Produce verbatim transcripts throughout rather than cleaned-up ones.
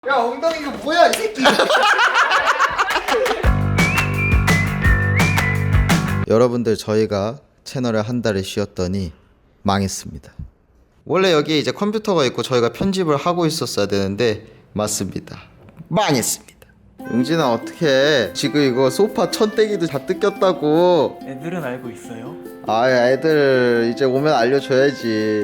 야 엉덩이가 뭐야 이 새끼. 여러분들 저희가 채널을 한 달을 쉬었더니 망했습니다. 원래 여기 이제 컴퓨터가 있고 저희가 편집을 하고 있었어야 되는데 맞습니다. 망했습니다. 용진아 어떡해. 지금 이거 소파 천대기도 다 뜯겼다고. 애들은 알고 있어요? 아 애들 이제 오면 알려줘야지.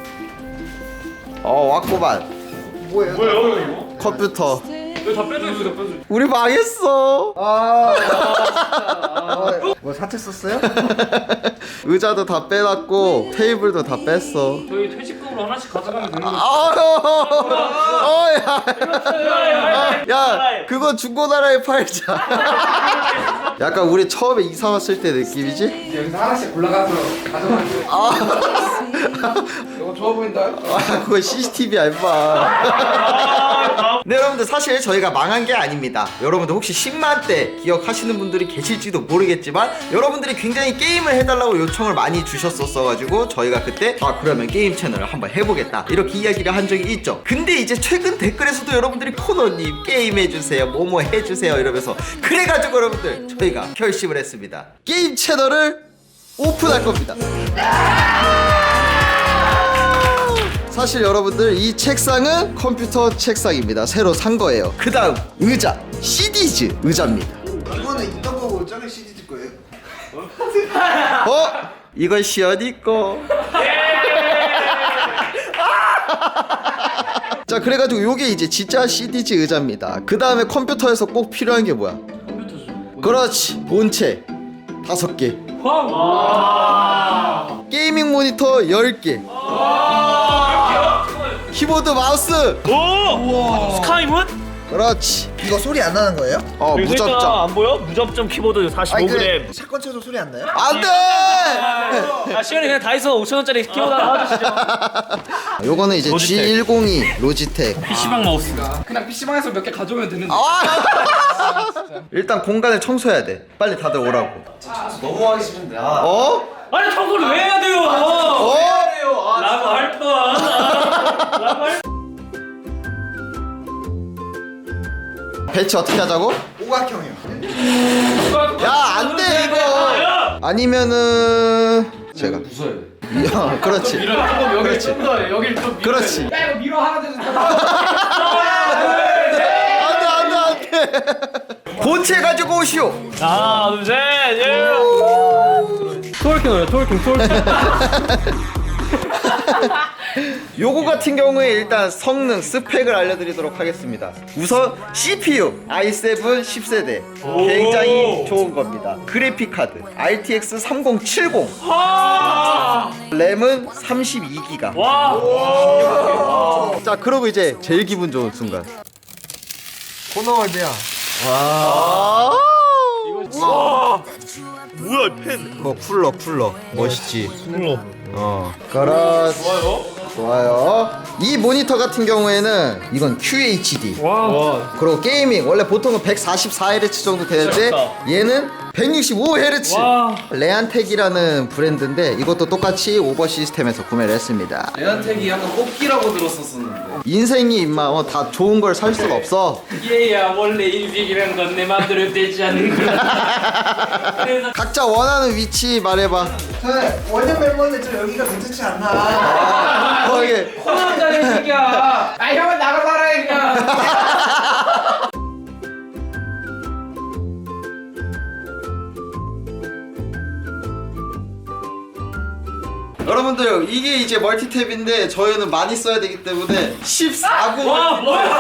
어 왔구만. 뭐예요? 뭐예요 이거? 컴퓨터. 이거 다 빼줘있어 다 빼줘. 우리 망했어. 아, 아, 뭐 사채 썼어요? 의자도 다 빼놨고 테이블도 다 뺐어. 저희 퇴직금으로 하나씩 가져가면 되는 거죠? 어, 야, 야, 그거 중고나라에 팔자. 약간 우리 처음에 이사 왔을 때 느낌이지? 여기서 하나씩 골라가서 가져가는 거예요. 아, 이거 좋아 보인다. 아 그거 씨씨티비야 임마. 네 여러분들 사실 저희가 망한 게 아닙니다. 여러분들 혹시 십만 대 기억하시는 분들이 계실지도 모르겠지만 여러분들이 굉장히 게임을 해달라고 요청을 많이 주셨었어가지고 저희가 그때 아 그러면 게임 채널을 한번 해보겠다 이렇게 이야기를 한 적이 있죠. 근데 이제 최근 댓글에서도 여러분들이 코너님 게임 해주세요 뭐뭐 해주세요 이러면서 그래가지고 여러분들 저희가 결심을 했습니다. 게임 채널을 오픈할 겁니다. 사실 여러분들 이 책상은 컴퓨터 책상입니다. 새로 산 거예요. 그 다음 의자 씨디즈 의자입니다. 이거는 있던 거고 저게 씨디즈 거예요? 어? 이건 시연이 거. 자 그래가지고 요게 이제 진짜 씨디즈 의자입니다. 그 다음에 컴퓨터에서 꼭 필요한 게 뭐야? 컴퓨터죠. 그렇지 본체 다섯 개, 와. 게이밍 모니터 열 개, 키보드 마우스. 오. 스카이문? 그렇지. 이거 소리 안 나는 거예요? 어 무접점. 안 보여? 무접점 키보드 사십오 그램. 샷건 쳐도 소리 안 나요? 안돼. 아 시간이 그냥 다이소 오천 원짜리 키보드 하나 사주시죠. 요거는 이제 로지텍. 지 일공이 로지텍. 피시방 마우스. 그냥 피시방에서 몇 개 가져오면 되는데. 아! 일단 공간을 청소해야 돼. 빨리 다들 오라고. 너무 하기 싫은데. 아. 어? 아니 청소를 왜 해야 돼요? 어? 라고 할 뻔. 라고 할. 배치 어떻게 하자고? 오각형이요. 야, 안 돼, 이거. 아니면은 제가 부숴야 돼. 야, 그렇지. 밀어 조금 여기 좀더 여기를 좀 밀어. 그렇지. 야 이거 밀어 하나 되는 안 돼, 안 돼, 안 돼. 본체 가지고 오시오. 하나 둘 셋. 예. 토월킹 어요 토월킹 토월킹. 요거 같은 경우에 일단 성능 스펙을 알려드리도록 하겠습니다. 우선 씨피유 아이 세븐 십 세대 굉장히 좋은 겁니다. 그래픽 카드 알티엑스 삼공칠공, 램은 삼십이 기가. 와. 자 그러고 이제 제일 기분 좋은 순간. 코너월드야. 와. 뭐야 펜. 그거 쿨러 쿨러 멋있지. 쿨러. 어. 그렇지. 좋아요. 좋아요. 이 모니터 같은 경우에는 이건 큐에이치디. 와. 그리고 게이밍 원래 보통은 백사십사 헤르츠 정도 되는데 얘는 백육십오 헤르츠. 와. 레안텍이라는 브랜드인데 이것도 똑같이 오버 시스템에서 구매를 했습니다. 레안텍이 약간 뽑기라고 들었었는데. 인생이 임마 어, 다 좋은 걸 살 수가 없어. 얘야 원래 인생이란 건 내 마음대로 되지 않는 거야. 그래서 각자 원하는 위치 말해봐. 저는 원년 멤버인데 저 여기가 괜찮지 않나. 거기 코너자리 새끼야. 아 형은 나가 살아 그냥. 여러분들 이게 이제 멀티탭인데 저희는 많이 써야 되기 때문에 십사 구. 와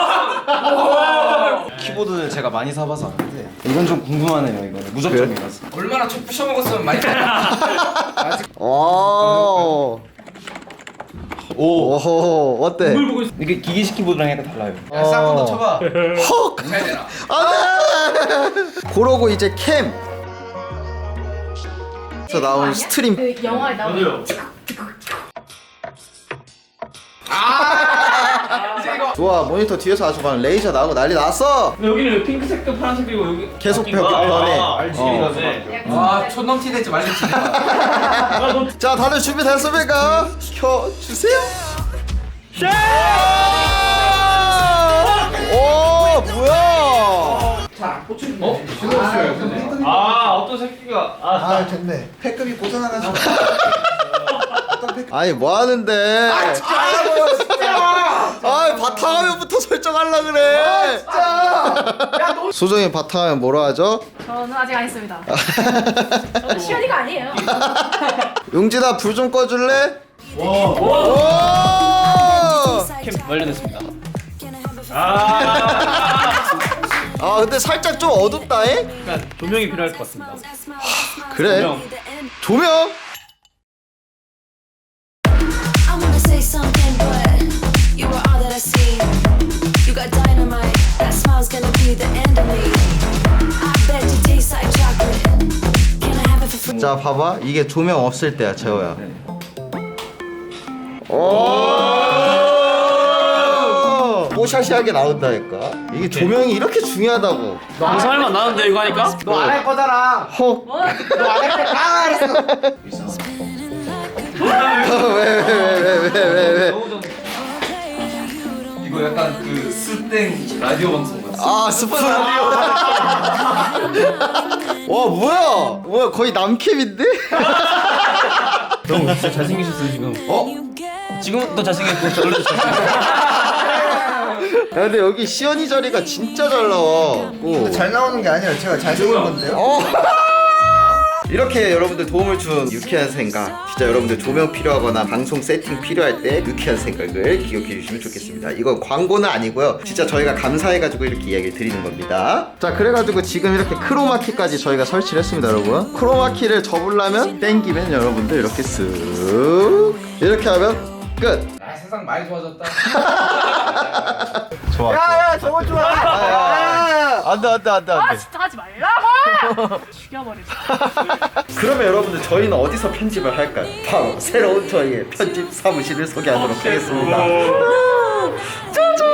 뭐야? 키보드는 제가 많이 사봐서 아는데 이건 좀 궁금하네요. 이거는 무접점이라서. 얼마나 촉 부셔 먹었으면 많이. 오. 오. 어때? 뭘 보고 있어? 이게 기계식 키보드랑 약간 달라요. 야 싹건도 쳐봐. 헉. 잘 되나? 안돼. 그러고 이제 캠. 서 나온 스트림. 그 영화에 나오는 맞아요. 좋아 모니터 뒤에서 아주 막 레이저 나오고 난리 났어. 근데 여기는 핑크색도 파란색이고 여기 계속 바뀐 거야? 벽 변해. 아, 알지라네. 아 촌넘티 될지 말지. 자 다들 준비됐습니까? 켜주세요. 오 어? 신호수였네. 아 어떤 새끼가 아 아 됐네. 패급이 고장나가지고. 어떤 패급? 아니 뭐 하는데? 아 진짜 알아봐요 진짜. 아 바탕화면부터 설정하려 그래. 진짜. 소정이 바탕화면 뭐라 하죠? 저는 아직 안 했습니다. 저는 시연이가 아니에요. 용진아 불 좀 꺼줄래? 와. 오! 캠 완료됐습니다. 아. 아 근데 살짝 좀 어둡다잉? 그러니까 조명이 필요할 것 같습니다. 그래. 조명. 조명? I wanna say something, but you were all that I see. You got dynamite, that smile's gonna be the end of me. I bet you taste like chocolate. Can I have it for free? 자 봐봐 이게 조명 없을 때야 재호야. 오! 뽀샤시하게 나온다니까. 이게 조명이 이렇게 중요하다고. 방송할 맛 나는데 이거 하니까? 너 안 할 거잖아. 헉. 너 안 할 거 다 알았어. 왜왜왜왜왜왜 이거 약간 그 스땡 라디오 방송 같아. 아 스푼 라디오. 와 뭐야? 뭐야 거의 남캠인데? 형 진짜 잘생기셨어요 지금. 어? 지금 더 잘생겼고 원래도 잘생겼고. 야 근데 여기 시연이 자리가 진짜 잘 나와. 오. 잘 나오는 게 아니라 제가 잘생긴 건데요. 어. 이렇게 여러분들 도움을 준 유쾌한 생각, 진짜 여러분들 조명 필요하거나 방송 세팅 필요할 때 유쾌한 생각을 기억해 주시면 좋겠습니다. 이건 광고는 아니고요, 진짜 저희가 감사해가지고 이렇게 이야기를 드리는 겁니다. 자 그래가지고 지금 이렇게 크로마키까지 저희가 설치를 했습니다. 여러분 크로마키를 접으려면 땡기면 여러분들 이렇게 쓱 이렇게 하면 끝. 아 세상 많이 좋아졌다. 좋아. 야야 저거 좋아. 야. 안돼 안돼 안돼 아 안돼. 진짜 하지 말라고! 죽여버리자. 그러면 여러분들 저희는 어디서 편집을 할까요? 바로 새로운 저희의 편집 사무실을 소개하도록 하겠습니다. 짜잔!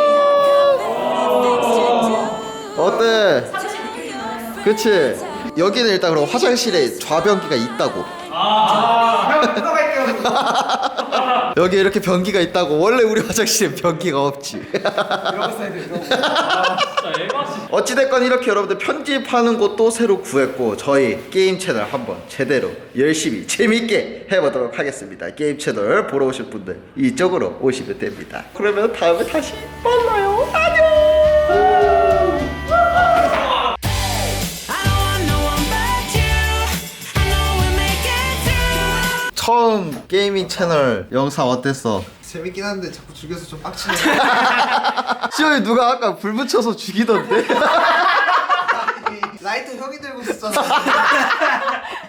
어때? 그치? 여기는 일단 그럼 화장실에 좌변기가 있다고. 형 뜯어갈게요. 여기 이렇게 변기가 있다고. 원래 우리 화장실에 변기가 없지. 이러고 써야 돼. 이러고. 어찌됐건 이렇게 여러분들 편집하는 곳도 새로 구했고 저희 게임 채널 한번 제대로 열심히 재밌게 해보도록 하겠습니다. 게임 채널 보러 오실 분들 이쪽으로 오시면 됩니다. 그러면 다음에 다시 만나요. 안녕. I don't want no one but you. I know we'll make it through. 처음 게이밍 채널 영상 어땠어? 재밌긴 한데 자꾸 죽여서 좀 빡치네. 시원이 누가 아까 불 붙여서 죽이던데? 라이트 형이 들고 있었잖아.